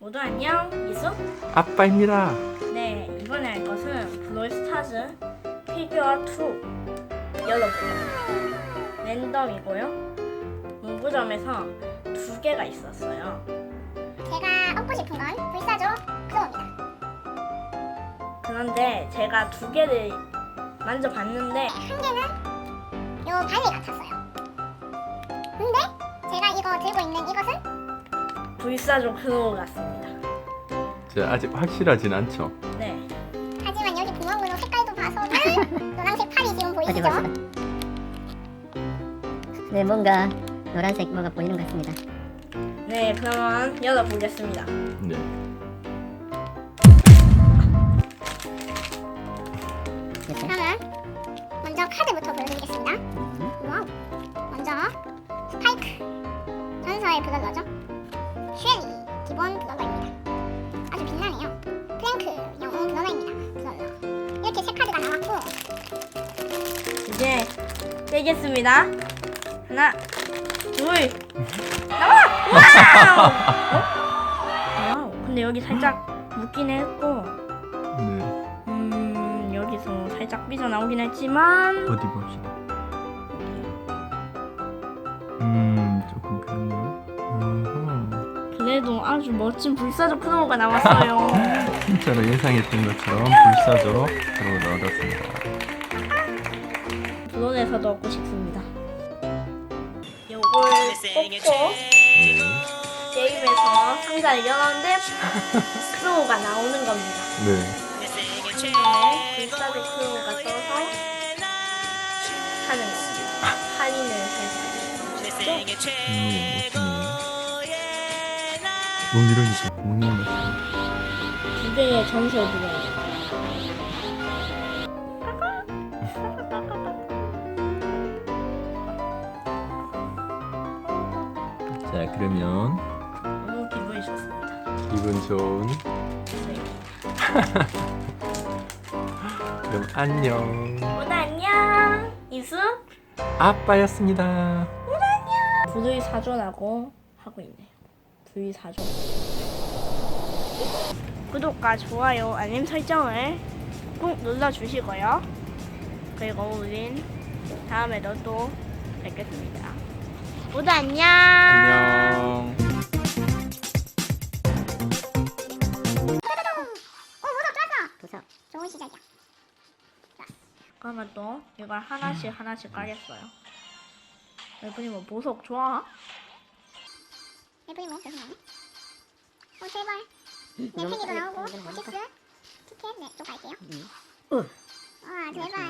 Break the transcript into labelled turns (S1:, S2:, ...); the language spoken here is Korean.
S1: 모두 안녕, 이수?
S2: 아빠입니다.
S1: 네, 이번에 할 것은 브롤스타즈 피규어 2 열어보려고요. 랜덤이고요. 문구점에서 2개가 있었어요.
S3: 제가 얻고 싶은 건 불사조 크로우입니다.
S1: 그런데 제가 2개를 만져봤는데
S3: 한 개는 요 발리 같았어요. 근데 제가 이거 들고 있는 이것은
S1: 불사조 크로우 같습니다.
S2: 자, 아직 확실하진 않죠.
S1: 네,
S3: 하지만 여기 구멍으로 색깔도 봐서는 노란색 팔이 지금
S4: 어디
S3: 보이시죠?
S4: 보시다. 네, 뭔가 노란색 뭐가 보이는 것 같습니다.
S1: 네, 그러면 열어보겠습니다.
S2: 네.
S4: 이렇게.
S3: 그러면 먼저 카드부터 보여드리겠습니다. 와우. 먼저 스파이크 전설의 브롤러죠. 슈엘리 기본 브롤러입니다. 아주 빛나네요. 플랭크 영웅 브롤러입니다. 브롤러. 이렇게 세 카드가 나왔고
S1: 이제 떼겠습니다. 하나, 둘, 나와! 와우! 와우! 근데 여기 살짝 묻긴 했고,
S2: 네.
S1: 여기서 살짝 삐져나오긴 했지만,
S2: 어디 봅시다. 조금 그렇네요.
S1: 그래도 아주 멋진 불사조 크로우가 나왔어요.
S2: 진짜로 예상했던 것처럼 불사조 크로우를 얻었습니다.
S1: 브론에서도 얻고 싶습니다. 요걸 뽑고
S2: 네.
S1: 게임에서 상자를 열었는데 크로우가 나오는 겁니다.
S2: 네.
S1: 네, 불사조 크로우가 떠서 하는 겁니다. 할인을 해서.
S2: 멋지네요. 이러니까 구멍이 났어요.
S1: 2개의 전설 브론.
S2: 자, 그러면
S1: 너무 기분이 좋습니다.
S2: 기분 좋은.
S1: 네.
S2: 그럼 안녕.
S1: 모두 안녕. 이수
S2: 아빠였습니다.
S1: 불의 사조라고 하고 있네요. 불의 사조. 구독과 좋아요, 알림 설정을 꼭 눌러주시고요. 그리고 우린 다음에도 또 뵙겠습니다. 모두 안녕.
S2: 안녕.
S3: 오 모두 떴어.
S4: 도서.
S3: 좋은 시작이야.
S1: 그러면 또 이걸 하나씩 까겠어요. 여러분이 뭐 보석 좋아?
S3: 예쁘니 뭐 계속 나오네. 오 제발. 내 팽이도 나오고 오티스 티켓 네, 또 갈게요. 아 제발.